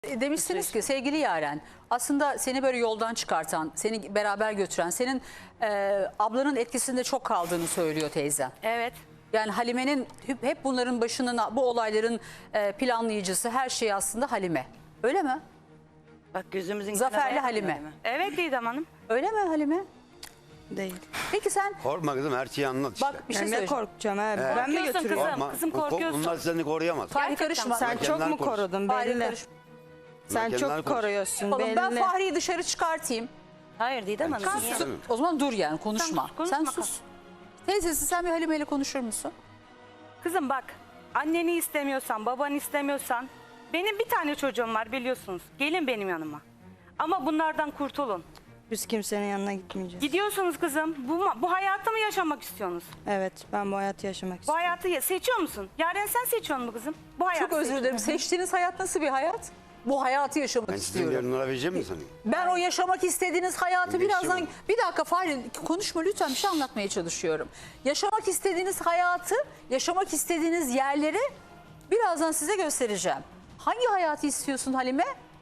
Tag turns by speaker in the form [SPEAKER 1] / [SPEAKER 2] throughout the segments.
[SPEAKER 1] Demişsiniz ki sevgili Yaren, aslında seni böyle yoldan çıkartan, seni beraber götüren, senin ablanın etkisinde çok kaldığını söylüyor teyzen.
[SPEAKER 2] Evet.
[SPEAKER 1] Yani Halime'nin hep bunların başının, bu olayların planlayıcısı, her şey aslında Halime. Öyle mi?
[SPEAKER 3] Bak gözümüzün
[SPEAKER 1] Zaferli Halime.
[SPEAKER 2] Evet Didem Hanım.
[SPEAKER 1] Öyle mi Halime?
[SPEAKER 3] Değil.
[SPEAKER 1] Peki sen
[SPEAKER 4] Korkma kızım, her şeyi anlat işte.
[SPEAKER 1] bak bir şey
[SPEAKER 5] Yani ne
[SPEAKER 1] söyleyeceğim.
[SPEAKER 5] korkacağım abi? Ben mi
[SPEAKER 2] Korkuyorsun
[SPEAKER 5] götürüyorum?
[SPEAKER 2] kızım. Kızım korkuyorsun.
[SPEAKER 4] Bunlar seni koruyamaz.
[SPEAKER 1] Fahri
[SPEAKER 2] Gerçekten
[SPEAKER 1] karışma.
[SPEAKER 5] Sen çok
[SPEAKER 4] Kendinden
[SPEAKER 5] mu
[SPEAKER 4] konuş.
[SPEAKER 5] korudun
[SPEAKER 1] Fahri
[SPEAKER 5] belli.
[SPEAKER 1] karışma.
[SPEAKER 5] Sen
[SPEAKER 4] Kendinden
[SPEAKER 5] çok
[SPEAKER 4] konuş.
[SPEAKER 5] koruyorsun
[SPEAKER 1] Oğlum, ben
[SPEAKER 5] belli.
[SPEAKER 1] Fahri'yi dışarı çıkartayım.
[SPEAKER 3] Hayır Didem Hanım.
[SPEAKER 4] Sen
[SPEAKER 3] niye?
[SPEAKER 4] sus.
[SPEAKER 1] O zaman dur yani, konuşma.
[SPEAKER 2] Sen konuşma
[SPEAKER 1] Sen sus. Teyzesi, sen bir Halime ile konuşur musun?
[SPEAKER 2] Kızım bak, anneni istemiyorsan, babanı istemiyorsan, benim bir tane çocuğum var biliyorsunuz. Gelin benim yanıma. Ama bunlardan kurtulun.
[SPEAKER 5] Biz kimsenin yanına gitmeyeceğiz.
[SPEAKER 2] Gidiyorsunuz kızım. Bu hayatı mı yaşamak istiyorsunuz?
[SPEAKER 5] Evet, ben bu hayatı yaşamak
[SPEAKER 2] Bu
[SPEAKER 5] istiyorum.
[SPEAKER 2] hayatı seçiyor musun? Yaren sen seçiyor musun kızım? Bu hayatı
[SPEAKER 1] Çok özür
[SPEAKER 2] seçiyor
[SPEAKER 1] dilerim.
[SPEAKER 2] musun?
[SPEAKER 1] Seçtiğiniz hayat nasıl bir hayat? Bu hayatı yaşamak
[SPEAKER 4] Ben sizin
[SPEAKER 1] istiyorum.
[SPEAKER 4] yerine vereceğim mi sanayım?
[SPEAKER 1] Ben o yaşamak istediğiniz hayatı
[SPEAKER 4] Öyle
[SPEAKER 1] birazdan...
[SPEAKER 4] yaşamam.
[SPEAKER 1] Bir dakika Fahri, konuşma lütfen, bir şey anlatmaya çalışıyorum. Yaşamak istediğiniz hayatı, yaşamak istediğiniz yerleri birazdan size göstereceğim. Hangi hayatı istiyorsun Halime?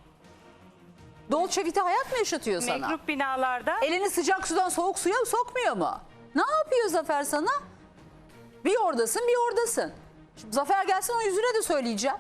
[SPEAKER 1] Dolce Vita hayat mı yaşatıyor sana?
[SPEAKER 2] Mekrup binalarda.
[SPEAKER 1] Elini sıcak sudan soğuk suya sokmuyor mu? Ne yapıyor Zafer sana? Bir oradasın, bir oradasın. Şimdi Zafer gelsin, o yüzüne de söyleyeceğim.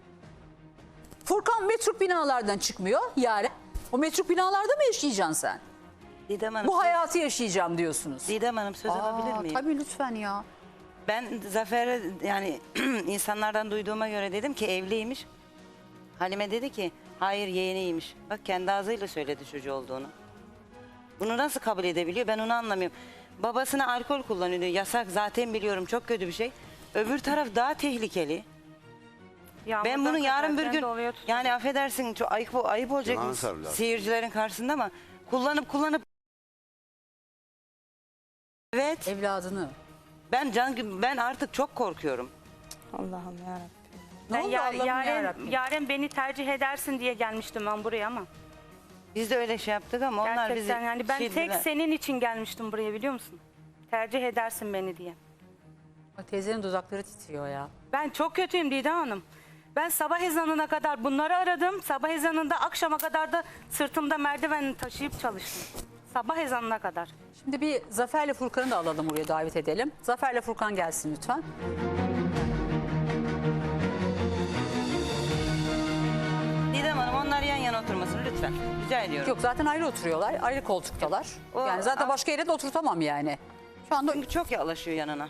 [SPEAKER 1] Furkan metruk binalardan çıkmıyor Yaren. O metruk binalarda mı yaşayacaksın sen?
[SPEAKER 3] Didem Hanım.
[SPEAKER 1] Bu hayatı yaşayacağım diyorsunuz.
[SPEAKER 3] Didem Hanım söz alabilir miyim?
[SPEAKER 1] Tabii lütfen ya.
[SPEAKER 3] Ben Zafer'e yani insanlardan duyduğuma göre dedim ki evliymiş. Halime dedi ki hayır yeğeniymiş. Bak kendi ağzıyla söyledi çocuğu olduğunu. Bunu nasıl kabul edebiliyor ben onu anlamıyorum. Babasına alkol kullanıyor, yasak zaten biliyorum, çok kötü bir şey. Öbür taraf daha tehlikeli. Ben bunu yarın bir gün yani affedersin çok ayıp olacak
[SPEAKER 4] Yalan sarılar.
[SPEAKER 3] seyircilerin karşısında ama kullanıp evet
[SPEAKER 1] Evladını.
[SPEAKER 3] ben artık çok korkuyorum.
[SPEAKER 5] Allah'ım yarabbim.
[SPEAKER 1] Ne oldu Allah'ım yarabbim?
[SPEAKER 2] Yaren beni tercih edersin diye gelmiştim ben buraya ama.
[SPEAKER 3] Biz de öyle şey yaptık ama onlar bizi
[SPEAKER 2] Gerçekten yani ben
[SPEAKER 3] şey
[SPEAKER 2] tek
[SPEAKER 3] dediler.
[SPEAKER 2] senin için gelmiştim buraya biliyor musun? Tercih edersin beni diye.
[SPEAKER 1] Bak, teyzenin dudakları titriyor ya.
[SPEAKER 2] Ben çok kötüyüm Didem Hanım. Ben sabah ezanına kadar bunları aradım. Sabah ezanında akşama kadar da sırtımda merdivenini taşıyıp çalıştım. Sabah ezanına kadar.
[SPEAKER 1] Şimdi bir Zafer'le Furkan'ı da alalım, buraya davet edelim. Zafer'le Furkan gelsin lütfen.
[SPEAKER 3] Didem Hanım onlar yan yana oturmasın lütfen. Rica ediyorum.
[SPEAKER 1] Yok, zaten ayrı oturuyorlar, ayrı koltuktalar.
[SPEAKER 3] O-
[SPEAKER 1] Yani zaten başka yere de oturtamam yani. Şu anda
[SPEAKER 3] Çünkü çok yaklaşıyor yanına.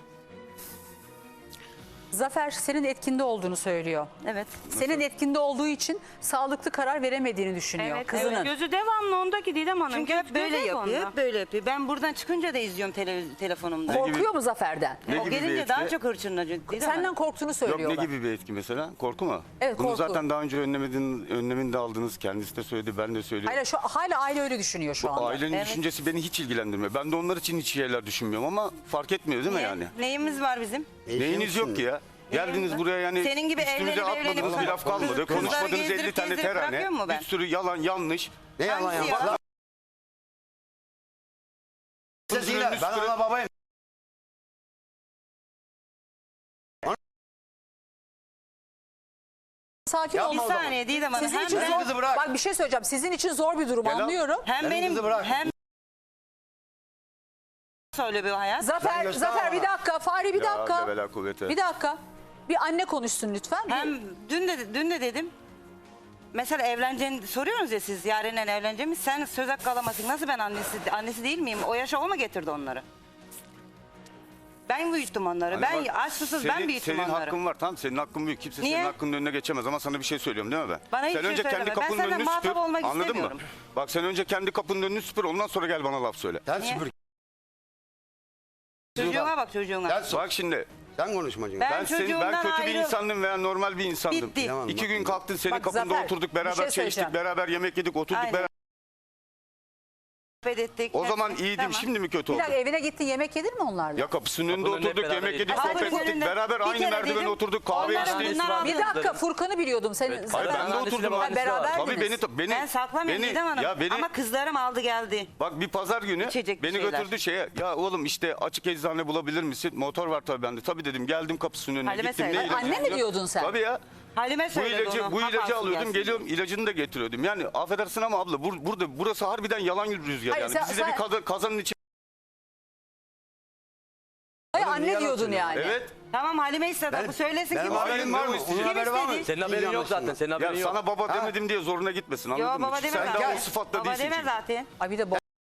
[SPEAKER 1] Zafer senin etkinde olduğunu söylüyor.
[SPEAKER 3] Evet.
[SPEAKER 1] Senin etkinde olduğu için sağlıklı karar veremediğini düşünüyor
[SPEAKER 2] Evet,
[SPEAKER 1] kızının.
[SPEAKER 2] evet. Gözü devamlı ondaki Didem Hanım.
[SPEAKER 3] Çünkü hep böyle
[SPEAKER 2] Gözü
[SPEAKER 3] yapıyor,
[SPEAKER 2] onda.
[SPEAKER 3] hep böyle yapıyor. Ben buradan çıkınca da izliyorum telefonumda.
[SPEAKER 1] Korkuyor mu Zafer'den?
[SPEAKER 4] Ne
[SPEAKER 3] O
[SPEAKER 4] gibi bir
[SPEAKER 3] gelince
[SPEAKER 4] etki?
[SPEAKER 3] daha çok hırçınlanıyor.
[SPEAKER 1] Senden korktuğunu
[SPEAKER 6] Yok
[SPEAKER 1] söylüyorlar.
[SPEAKER 6] ne gibi bir etki mesela? Korku mu?
[SPEAKER 1] Evet,
[SPEAKER 6] Bunu
[SPEAKER 1] korku.
[SPEAKER 6] zaten daha önce önlemini de aldınız. Kendisi de söyledi, ben de söylüyorum.
[SPEAKER 1] Hala aile öyle düşünüyor şu anda.
[SPEAKER 6] Ailenin
[SPEAKER 3] Evet.
[SPEAKER 6] düşüncesi beni hiç ilgilendirmiyor. Ben de onlar için hiç şeyler düşünmüyorum ama fark etmiyor değil mi
[SPEAKER 3] Niye?
[SPEAKER 6] yani?
[SPEAKER 3] Neyimiz var bizim?
[SPEAKER 6] Neyiniz yok ki ya? Geldiniz buraya yani
[SPEAKER 3] Senin gibi
[SPEAKER 6] üstümüze
[SPEAKER 3] evlenip
[SPEAKER 6] atmadığınız bir laf kalmadı.
[SPEAKER 3] kızları
[SPEAKER 6] Konuşmadığınız 50
[SPEAKER 3] gezdirip
[SPEAKER 6] tane
[SPEAKER 3] gezdirip
[SPEAKER 6] terane.
[SPEAKER 3] bırakıyor mu ben?
[SPEAKER 6] Bir sürü yalan, yanlış.
[SPEAKER 4] Ne yalan
[SPEAKER 3] Hangisi
[SPEAKER 4] yapar?
[SPEAKER 3] yalan?
[SPEAKER 4] Sesiyle ben ana babayım.
[SPEAKER 1] Sakin
[SPEAKER 4] Yapma
[SPEAKER 1] olun.
[SPEAKER 3] Bir
[SPEAKER 4] o zaman.
[SPEAKER 3] saniye Didem Hanım.
[SPEAKER 1] Sizin
[SPEAKER 3] Hem,
[SPEAKER 1] için
[SPEAKER 4] Benim
[SPEAKER 1] zor,
[SPEAKER 4] kızı bırak.
[SPEAKER 1] bak bir şey söyleyeceğim. Sizin için zor bir durum,
[SPEAKER 6] Gel al.
[SPEAKER 1] anlıyorum.
[SPEAKER 3] hem
[SPEAKER 4] Benim
[SPEAKER 3] benim
[SPEAKER 4] kızı bırak.
[SPEAKER 3] hem söyle bir hayat.
[SPEAKER 1] Zafer,
[SPEAKER 4] göster
[SPEAKER 1] Zafer bir
[SPEAKER 4] bana.
[SPEAKER 1] dakika. Fahri bir
[SPEAKER 6] Ya
[SPEAKER 1] dakika.
[SPEAKER 6] devela kuvvete.
[SPEAKER 1] Bir dakika. Bir anne konuşsun lütfen.
[SPEAKER 3] Hem dün de dedim. Mesela evleneceğini soruyorsunuz ya siz Yaren'le evleneceğimi. Sen söz hakkı alamazsın. Nasıl ben annesi değil miyim? O yaşa o mu getirdi onları? Ben büyüttüm onları.
[SPEAKER 6] Hani
[SPEAKER 3] ben
[SPEAKER 6] bak,
[SPEAKER 3] aç susuz ben büyüttüm
[SPEAKER 6] senin
[SPEAKER 3] onları.
[SPEAKER 6] hakkın var, tamam, senin hakkın büyük. Kimse
[SPEAKER 3] Niye?
[SPEAKER 6] senin hakkının önüne geçemez ama sana bir şey söylüyorum değil mi ben?
[SPEAKER 3] Bana hiçbir
[SPEAKER 6] sen
[SPEAKER 3] şey
[SPEAKER 6] önce kendi
[SPEAKER 3] söyleme. Ben
[SPEAKER 6] kapının
[SPEAKER 3] senden
[SPEAKER 6] önünü
[SPEAKER 3] muhatap
[SPEAKER 6] süpür.
[SPEAKER 3] olmak
[SPEAKER 6] Anladın mı?
[SPEAKER 3] istemiyorum.
[SPEAKER 6] Bak sen önce kendi kapının önünü süpür, ondan sonra gel bana laf söyle.
[SPEAKER 4] Sen
[SPEAKER 3] Niye?
[SPEAKER 4] süpür.
[SPEAKER 3] Çocuğuna bak çocuğuna.
[SPEAKER 4] Sen sor.
[SPEAKER 6] Bak şimdi
[SPEAKER 4] Sen konuşmacın.
[SPEAKER 3] Ben
[SPEAKER 6] ben
[SPEAKER 3] çocuğumdan
[SPEAKER 6] kötü bir
[SPEAKER 3] ayrı-
[SPEAKER 6] insandım veya normal bir insandım.
[SPEAKER 3] Bitti.
[SPEAKER 4] Tamam.
[SPEAKER 6] 2 gün kalktın senin
[SPEAKER 1] Bak
[SPEAKER 6] kapında
[SPEAKER 1] Zafer,
[SPEAKER 6] oturduk
[SPEAKER 1] bir şey
[SPEAKER 6] beraber çay
[SPEAKER 1] söyleyeceğim.
[SPEAKER 6] içtik, beraber yemek yedik, oturduk
[SPEAKER 3] Aynen.
[SPEAKER 6] beraber.
[SPEAKER 3] Ettik,
[SPEAKER 6] O zaman
[SPEAKER 3] hepsi.
[SPEAKER 6] iyiydim,
[SPEAKER 3] Tamam.
[SPEAKER 6] şimdi mi kötü
[SPEAKER 1] Bir
[SPEAKER 6] oldum?
[SPEAKER 1] dakika, evine gittin, yemek yedin mi onlarla?
[SPEAKER 6] Ya kapısının önünde
[SPEAKER 7] Kapının önünde
[SPEAKER 6] oturduk,
[SPEAKER 7] hep beraber
[SPEAKER 6] yemek yedik,
[SPEAKER 7] yedik.
[SPEAKER 6] sohbet
[SPEAKER 3] Kapının
[SPEAKER 6] ettik,
[SPEAKER 3] önünde
[SPEAKER 6] beraber
[SPEAKER 3] bir
[SPEAKER 6] aynı
[SPEAKER 3] kere
[SPEAKER 6] merdivene
[SPEAKER 3] dedim,
[SPEAKER 6] oturduk, kahve
[SPEAKER 3] onların
[SPEAKER 6] içtik.
[SPEAKER 3] bunlar
[SPEAKER 1] Bir dakika, Furkan'ı biliyordum. Sen
[SPEAKER 7] Evet.
[SPEAKER 6] Hayır ben de
[SPEAKER 7] Annesiyle
[SPEAKER 6] oturdum.
[SPEAKER 7] babası
[SPEAKER 1] beraberdiniz.
[SPEAKER 6] Tabii beni
[SPEAKER 3] Ben saklamıyorum Didem Hanım.
[SPEAKER 6] ya beni
[SPEAKER 3] Ama kızlarım aldı geldi.
[SPEAKER 6] bak bir pazar günü
[SPEAKER 3] İçecek bir
[SPEAKER 6] beni
[SPEAKER 3] şeyler.
[SPEAKER 6] götürdü şeye. Ya oğlum işte açık eczane bulabilir misin? Motor var tabii bende. Tabii dedim, geldim kapısının önüne
[SPEAKER 3] Halime
[SPEAKER 6] gittim.
[SPEAKER 3] söyle.
[SPEAKER 6] Ne ilacı
[SPEAKER 1] Anne mi
[SPEAKER 6] istiyor?
[SPEAKER 1] diyordun sen?
[SPEAKER 6] Tabii ya.
[SPEAKER 3] Halime
[SPEAKER 6] Bu
[SPEAKER 3] söyledi
[SPEAKER 6] ilacı,
[SPEAKER 3] onu.
[SPEAKER 6] bu
[SPEAKER 3] hap
[SPEAKER 6] ilacı
[SPEAKER 3] alsın
[SPEAKER 6] alıyordum,
[SPEAKER 3] gelsin.
[SPEAKER 6] geliyorum ilacını da getiriyordum. Yani affedersin ama abla burası harbiden yalan rüzgar
[SPEAKER 1] Hayır,
[SPEAKER 6] yani.
[SPEAKER 1] sen-
[SPEAKER 6] Bizi de
[SPEAKER 1] sen-
[SPEAKER 6] bir kazanın içi.
[SPEAKER 1] Hayır,
[SPEAKER 4] Oğlum,
[SPEAKER 1] anne
[SPEAKER 4] niye
[SPEAKER 1] diyordun
[SPEAKER 4] yalan
[SPEAKER 1] yani.
[SPEAKER 6] Evet.
[SPEAKER 3] Tamam Halime istedi. Bu söylesin
[SPEAKER 4] benim
[SPEAKER 3] kim
[SPEAKER 4] haberim
[SPEAKER 3] istedi?
[SPEAKER 4] var mı?
[SPEAKER 6] Kim
[SPEAKER 4] Onun haberi var mı?
[SPEAKER 3] istedi?
[SPEAKER 7] Senin haberin yok zaten. Senin
[SPEAKER 6] Ya
[SPEAKER 7] haberin yok.
[SPEAKER 6] sana baba demedim diye zoruna gitmesin, anladın
[SPEAKER 3] Yo
[SPEAKER 6] mı?
[SPEAKER 3] baba
[SPEAKER 6] Çünkü
[SPEAKER 3] deme
[SPEAKER 6] sen daha
[SPEAKER 3] zaten.
[SPEAKER 6] o sıfatla
[SPEAKER 3] Baba
[SPEAKER 6] değilsin
[SPEAKER 3] deme
[SPEAKER 6] çünkü.
[SPEAKER 3] zaten.
[SPEAKER 1] Ay bir de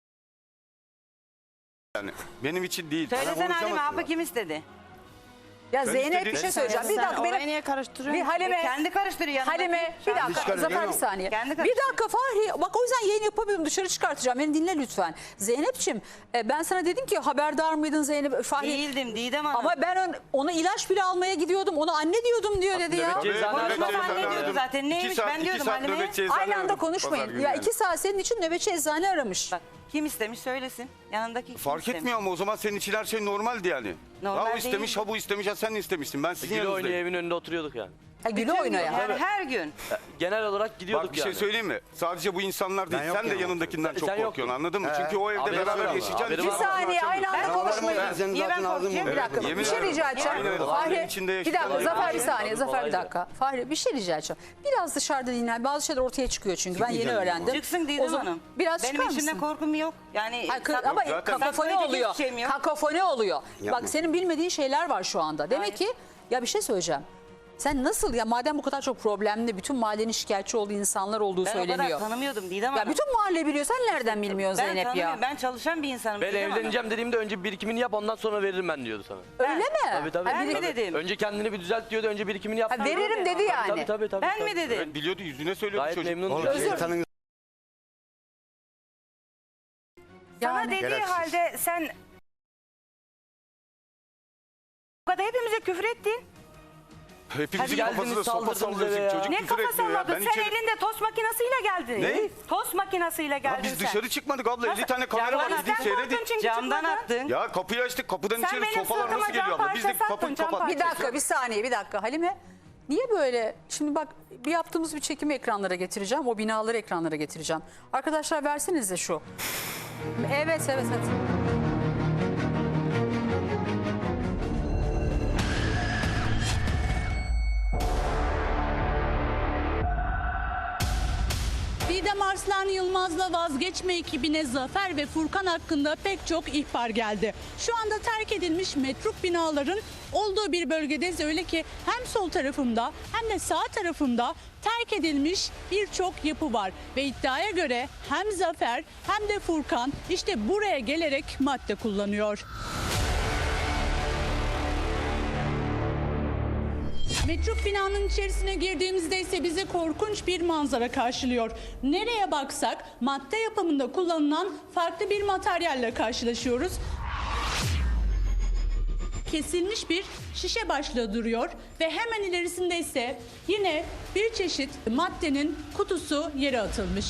[SPEAKER 6] Yani benim için değil.
[SPEAKER 3] Söylesene Halime
[SPEAKER 4] konuşamazsın
[SPEAKER 3] hapı kim istedi?
[SPEAKER 1] ya
[SPEAKER 6] Ben
[SPEAKER 1] Zeynep
[SPEAKER 6] istediğim-
[SPEAKER 1] bir şey söyleyeceğim. Bir
[SPEAKER 5] Sen
[SPEAKER 1] dakika
[SPEAKER 5] orayı
[SPEAKER 1] benim
[SPEAKER 5] niye karıştırıyorsun?
[SPEAKER 1] bir Halime
[SPEAKER 3] Kendi karıştırıyor yanındaki.
[SPEAKER 1] Halime bir dakika
[SPEAKER 4] karıştırıyor
[SPEAKER 1] Zafer bir
[SPEAKER 4] mu?
[SPEAKER 1] saniye.
[SPEAKER 3] Kendi
[SPEAKER 1] Bir
[SPEAKER 3] karıştırıyor.
[SPEAKER 1] dakika Fahri bak o yüzden yayın yapamıyorum dışarı çıkartacağım. Beni dinle lütfen. Zeynep'ciğim ben sana dedim ki haberdar mıydın Zeynep? Fahri
[SPEAKER 3] Değildim Didem Hanım.
[SPEAKER 1] ama ben ona ilaç bile almaya gidiyordum. Ona anne diyordum diyor dedi ya.
[SPEAKER 7] Nöbetçi eczane
[SPEAKER 3] Konuşma
[SPEAKER 7] aradım.
[SPEAKER 3] anne diyordu zaten. Neymiş ben diyordum Halime'ye.
[SPEAKER 1] Aynı anda konuşmayın. Ya 2 saat senin için nöbetçi eczane aramış.
[SPEAKER 3] Bak kim istemiş söylesin. Yanındaki kim
[SPEAKER 6] Fark
[SPEAKER 3] istemiş?
[SPEAKER 6] etmiyor ama o zaman senin için her şey normaldi yani.
[SPEAKER 3] Normal
[SPEAKER 6] ya o istemiş,
[SPEAKER 3] değil.
[SPEAKER 6] ha bu istemiş, ha sen istemişsin. Ben sizin
[SPEAKER 7] Gülü oynuyor
[SPEAKER 6] yanınızdayım.
[SPEAKER 7] evin önünde oturuyorduk yani.
[SPEAKER 1] Ha, gülü
[SPEAKER 3] Bütün
[SPEAKER 1] oynaya.
[SPEAKER 3] gün, yani her gün.
[SPEAKER 7] Genel olarak gidiyorduk
[SPEAKER 6] Bak bir şey
[SPEAKER 7] yani.
[SPEAKER 6] söyleyeyim mi? Sadece bu insanlar değil.
[SPEAKER 4] Ben
[SPEAKER 6] Sen de
[SPEAKER 4] yokken
[SPEAKER 6] yanındakinden
[SPEAKER 7] ama.
[SPEAKER 6] çok
[SPEAKER 7] Sen
[SPEAKER 6] korkuyorsun,
[SPEAKER 7] yoktun.
[SPEAKER 6] anladın mı? Çünkü o evde
[SPEAKER 7] Haberim var
[SPEAKER 6] beraber
[SPEAKER 7] ama,
[SPEAKER 6] yaşayacaksın.
[SPEAKER 7] haberim
[SPEAKER 1] Bir
[SPEAKER 7] var.
[SPEAKER 1] saniye aynı anda
[SPEAKER 3] Ben
[SPEAKER 1] konuşmayın.
[SPEAKER 3] korkmuyorum.
[SPEAKER 4] Senin
[SPEAKER 3] Niye ben
[SPEAKER 4] zaten ağzın
[SPEAKER 3] korkacağım?
[SPEAKER 4] bu.
[SPEAKER 1] Bir dakika
[SPEAKER 6] Yemin
[SPEAKER 1] bir şey
[SPEAKER 6] ederim.
[SPEAKER 1] rica edeceğim.
[SPEAKER 6] Aynen öyle.
[SPEAKER 1] Fahri
[SPEAKER 6] Ailenin içinde
[SPEAKER 1] bir
[SPEAKER 6] yaşayan
[SPEAKER 1] dakika Zafer bir
[SPEAKER 7] ailenin
[SPEAKER 1] saniye
[SPEAKER 7] içinde
[SPEAKER 1] Zafer bir
[SPEAKER 7] olaydı.
[SPEAKER 1] dakika. Fahri bir şey rica edeceğim. Biraz dışarıda dinlen. Bazı şeyler ortaya çıkıyor çünkü ben yeni
[SPEAKER 4] Çıkmayacağım
[SPEAKER 1] öğrendim.
[SPEAKER 3] Çıksın
[SPEAKER 1] O
[SPEAKER 3] Didem
[SPEAKER 1] zaman
[SPEAKER 3] Hanım.
[SPEAKER 1] Biraz
[SPEAKER 3] Benim
[SPEAKER 1] çıkar
[SPEAKER 3] içimde
[SPEAKER 1] mısın?
[SPEAKER 3] korkum yok. Yani
[SPEAKER 1] Hayır,
[SPEAKER 3] sak-
[SPEAKER 1] ama
[SPEAKER 6] zaten-
[SPEAKER 1] kakofoni
[SPEAKER 3] saklayacak
[SPEAKER 1] oluyor.
[SPEAKER 3] hiçbir şeyim yok.
[SPEAKER 1] Kakofoni oluyor.
[SPEAKER 4] Yapma.
[SPEAKER 1] Bak senin bilmediğin şeyler var şu anda. Demek
[SPEAKER 3] Hayır.
[SPEAKER 1] ki ya bir şey söyleyeceğim. Sen nasıl ya madem bu kadar çok problemli bütün mahallenin şikayetçi olduğu insanlar olduğu
[SPEAKER 3] Ben o kadar
[SPEAKER 1] söyleniyor.
[SPEAKER 3] tanımıyordum Didem
[SPEAKER 1] Ya
[SPEAKER 3] Hanım.
[SPEAKER 1] bütün mahalle biliyor. Sen nereden bilmiyorsun
[SPEAKER 3] Ben
[SPEAKER 1] Zeynep ya?
[SPEAKER 3] tanımıyorum. Ben çalışan bir insanım.
[SPEAKER 7] Ben
[SPEAKER 3] Didem Hanım.
[SPEAKER 7] evleneceğim dediğimde önce birikimini yap ondan sonra veririm ben diyordu sana.
[SPEAKER 1] Öyle mi?
[SPEAKER 7] Tabii tabii.
[SPEAKER 3] Ben mi
[SPEAKER 7] tabii.
[SPEAKER 3] dedim?
[SPEAKER 7] Önce kendini bir düzelt diyordu. Önce birikimini yap.
[SPEAKER 1] Ha, veririm dedi yani.
[SPEAKER 7] Tabii tabii tabii.
[SPEAKER 3] Ben
[SPEAKER 7] tabii.
[SPEAKER 3] mi dedim?
[SPEAKER 6] Evet, biliyordu, yüzüne söylüyordu
[SPEAKER 7] Gayet
[SPEAKER 6] çocuk.
[SPEAKER 7] memnun.
[SPEAKER 4] Oğlum
[SPEAKER 7] diyor.
[SPEAKER 4] şeytanın
[SPEAKER 2] Sana
[SPEAKER 1] Yani.
[SPEAKER 2] dediği
[SPEAKER 4] Gereksiz.
[SPEAKER 2] halde sen o kadar hepimize küfür ettin.
[SPEAKER 6] Hepimizin
[SPEAKER 7] Hadi geldiniz,
[SPEAKER 6] kafasına sopa
[SPEAKER 7] saldırdınız
[SPEAKER 6] sallıyorsun.
[SPEAKER 7] eve ya.
[SPEAKER 6] Çocuk
[SPEAKER 2] Ne
[SPEAKER 6] küfür
[SPEAKER 2] kafa
[SPEAKER 6] etmiyor ya.
[SPEAKER 2] salladın?
[SPEAKER 6] Ben
[SPEAKER 2] Sen
[SPEAKER 6] içeri...
[SPEAKER 2] elinde tost makinesiyle geldin.
[SPEAKER 6] Ne?
[SPEAKER 2] Tost makinesiyle geldin
[SPEAKER 6] Ya biz
[SPEAKER 2] sen.
[SPEAKER 6] dışarı çıkmadık abla. 50 tane kamera var.
[SPEAKER 2] Camdan
[SPEAKER 6] Gidin
[SPEAKER 2] sen
[SPEAKER 6] seyredin.
[SPEAKER 2] korktun çünkü
[SPEAKER 3] Camdan
[SPEAKER 2] çıkmadın.
[SPEAKER 3] attın.
[SPEAKER 6] Ya kapıyı açtık. Kapıdan
[SPEAKER 2] Sen
[SPEAKER 6] içeri
[SPEAKER 2] benim
[SPEAKER 6] sopalar
[SPEAKER 2] sırtıma
[SPEAKER 6] nasıl geliyor
[SPEAKER 2] cam
[SPEAKER 6] abla? Biz de
[SPEAKER 2] parçası
[SPEAKER 6] kapıyı
[SPEAKER 2] attın, cam
[SPEAKER 6] kapattık.
[SPEAKER 1] Bir dakika bir saniye bir dakika Halime. Niye böyle? Şimdi bak bir yaptığımız bir çekimi ekranlara getireceğim. O binaları ekranlara getireceğim. Arkadaşlar versenize şu. Evet evet evet.
[SPEAKER 8] Didem Arslan Yılmaz'la vazgeçme ekibine Zafer ve Furkan hakkında pek çok ihbar geldi. Şu anda terk edilmiş metruk binaların olduğu bir bölgedeyiz. Öyle ki hem sol tarafımda hem de sağ tarafımda terk edilmiş birçok yapı var. Ve iddiaya göre hem Zafer hem de Furkan işte buraya gelerek madde kullanıyor. Metruk binanın içerisine girdiğimizde ise bizi korkunç bir manzara karşılıyor. Nereye baksak madde yapımında kullanılan farklı bir materyalle karşılaşıyoruz. Kesilmiş bir şişe başlığı duruyor ve hemen ilerisinde ise yine bir çeşit maddenin kutusu yere atılmış.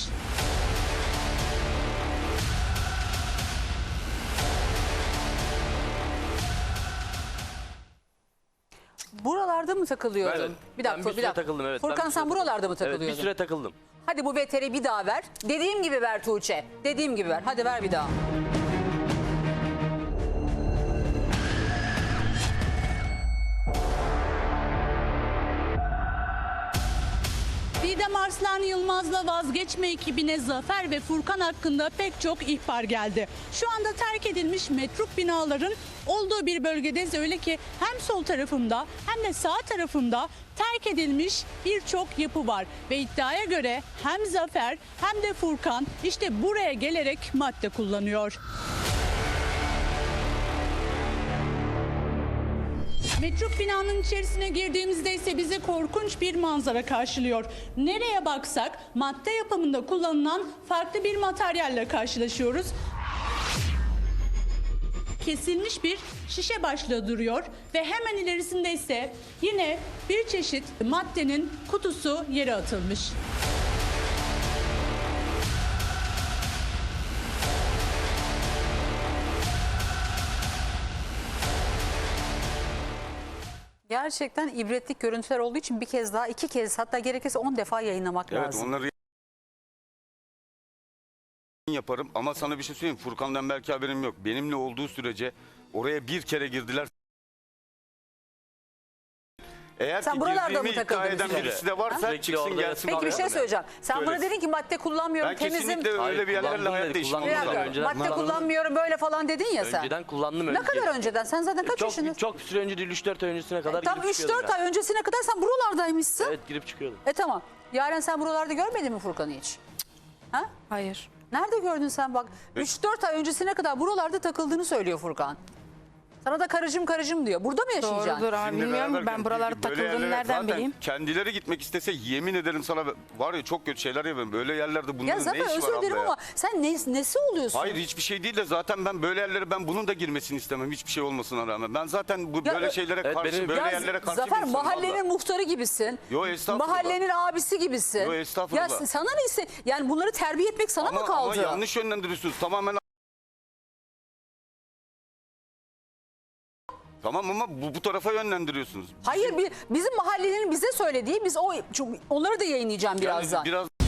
[SPEAKER 1] Buralarda mı takılıyordun?
[SPEAKER 7] Evet.
[SPEAKER 1] Bir dakika
[SPEAKER 7] Ben bir süre takıldım, evet. Ben
[SPEAKER 1] Furkan
[SPEAKER 7] bir
[SPEAKER 1] sen
[SPEAKER 7] süre
[SPEAKER 1] buralarda mı
[SPEAKER 7] Evet
[SPEAKER 1] takılıyordun?
[SPEAKER 7] bir süre takıldım.
[SPEAKER 1] Hadi bu veteri bir daha ver. Dediğim gibi ver Tuğçe. Dediğim gibi ver. Hadi ver bir daha.
[SPEAKER 8] Didem Arslan Yılmaz'la vazgeçme ekibine Zafer ve Furkan hakkında pek çok ihbar geldi. Şu anda terk edilmiş metruk binaların olduğu bir bölgedeyiz. Öyle ki hem sol tarafımda hem de sağ tarafımda terk edilmiş birçok yapı var. Ve iddiaya göre hem Zafer hem de Furkan işte buraya gelerek madde kullanıyor. Metruk binanın içerisine girdiğimizde ise bizi korkunç bir manzara karşılıyor. Nereye baksak madde yapımında kullanılan farklı bir materyalle karşılaşıyoruz. Kesilmiş bir şişe başlığı duruyor ve hemen ilerisinde ise yine bir çeşit maddenin kutusu yere atılmış.
[SPEAKER 1] Gerçekten ibretlik görüntüler olduğu için bir kez daha, 2 kez hatta gerekirse 10 defa yayınlamak
[SPEAKER 6] Evet
[SPEAKER 1] lazım.
[SPEAKER 6] onları yaparım ama sana bir şey söyleyeyim. Furkan'dan belki haberim yok. Benimle olduğu sürece oraya bir kere girdiler. Eğer
[SPEAKER 1] Sen
[SPEAKER 6] ki
[SPEAKER 1] buralarda mı
[SPEAKER 6] girdiğimi iddia
[SPEAKER 1] takıldın
[SPEAKER 6] eden
[SPEAKER 1] bir süre?
[SPEAKER 6] birisi de varsa
[SPEAKER 7] Sürekli
[SPEAKER 6] çıksın
[SPEAKER 7] orada
[SPEAKER 6] gelsin.
[SPEAKER 1] Peki bir şey
[SPEAKER 6] oraya.
[SPEAKER 1] söyleyeceğim. Sen bana
[SPEAKER 6] Söylesin.
[SPEAKER 1] dedin ki madde kullanmıyorum,
[SPEAKER 6] Ben
[SPEAKER 1] temizim.
[SPEAKER 6] kesinlikle öyle
[SPEAKER 7] Hayır,
[SPEAKER 6] bir yerlerle
[SPEAKER 7] kullandım
[SPEAKER 6] hayatta
[SPEAKER 7] dedi,
[SPEAKER 6] işim
[SPEAKER 7] kullandım
[SPEAKER 1] Bir
[SPEAKER 6] olmaz.
[SPEAKER 1] dakika,
[SPEAKER 6] abi.
[SPEAKER 7] Önceden
[SPEAKER 1] madde
[SPEAKER 7] kullandım.
[SPEAKER 1] kullanmıyorum böyle falan dedin ya sen.
[SPEAKER 7] Önceden kullandım.
[SPEAKER 1] Ne kadar önceden? Sen zaten kaç yaşındasın?
[SPEAKER 7] Çok süre önce değil, 3-4 ay öncesine kadar
[SPEAKER 1] Tam
[SPEAKER 7] girip çıkıyordum
[SPEAKER 1] 3-4
[SPEAKER 7] yani.
[SPEAKER 1] ay öncesine kadar sen buralardaymışsın.
[SPEAKER 7] Evet, girip çıkıyordum.
[SPEAKER 1] Tamam. Yaren sen buralarda görmedin mi Furkan'ı hiç? Ha?
[SPEAKER 5] Hayır.
[SPEAKER 1] Nerede gördün sen bak? 3-4 ay öncesine kadar buralarda takıldığını söylüyor Furkan. Sana da karıcım diyor. Burada mı yaşayacaksın?
[SPEAKER 5] Doğrudur abi.
[SPEAKER 6] Bizimle
[SPEAKER 5] Bilmiyorum
[SPEAKER 6] beraber
[SPEAKER 5] ben buralarda
[SPEAKER 6] böyle
[SPEAKER 5] takıldığını
[SPEAKER 6] yerlere
[SPEAKER 5] nereden
[SPEAKER 6] zaten
[SPEAKER 5] bileyim?
[SPEAKER 6] Kendileri gitmek istese yemin ederim sana var ya çok kötü şeyler yapıyorum. Böyle yerlerde
[SPEAKER 1] Ya
[SPEAKER 6] bunların ne
[SPEAKER 1] Zafer
[SPEAKER 6] işi var
[SPEAKER 1] özür dilerim
[SPEAKER 6] abla ya?
[SPEAKER 1] ama sen nesi oluyorsun?
[SPEAKER 6] Hayır hiçbir şey değil de zaten ben böyle yerlere ben bunun da girmesini istemem hiçbir şey olmasına rağmen. Ben zaten bu
[SPEAKER 1] Ya
[SPEAKER 6] böyle şeylere
[SPEAKER 7] evet,
[SPEAKER 6] karşı
[SPEAKER 7] benim-
[SPEAKER 6] böyle
[SPEAKER 1] Ya
[SPEAKER 6] yerlere karşı
[SPEAKER 1] Zafer
[SPEAKER 6] bir insanım
[SPEAKER 1] mahallenin
[SPEAKER 6] abla.
[SPEAKER 1] muhtarı gibisin.
[SPEAKER 6] Yo, estağfurullah.
[SPEAKER 1] Mahallenin abisi gibisin.
[SPEAKER 6] Yo, estağfurullah.
[SPEAKER 1] Ya sana ne yani bunları terbiye etmek sana mı kaldı?
[SPEAKER 6] Ama yanlış yönlendiriyorsunuz tamamen. Tamam ama bu tarafa yönlendiriyorsunuz.
[SPEAKER 1] Hayır bizim mahallenin bize söylediği çünkü onları da yayınlayacağım
[SPEAKER 6] Yani
[SPEAKER 1] birazdan.
[SPEAKER 6] biraz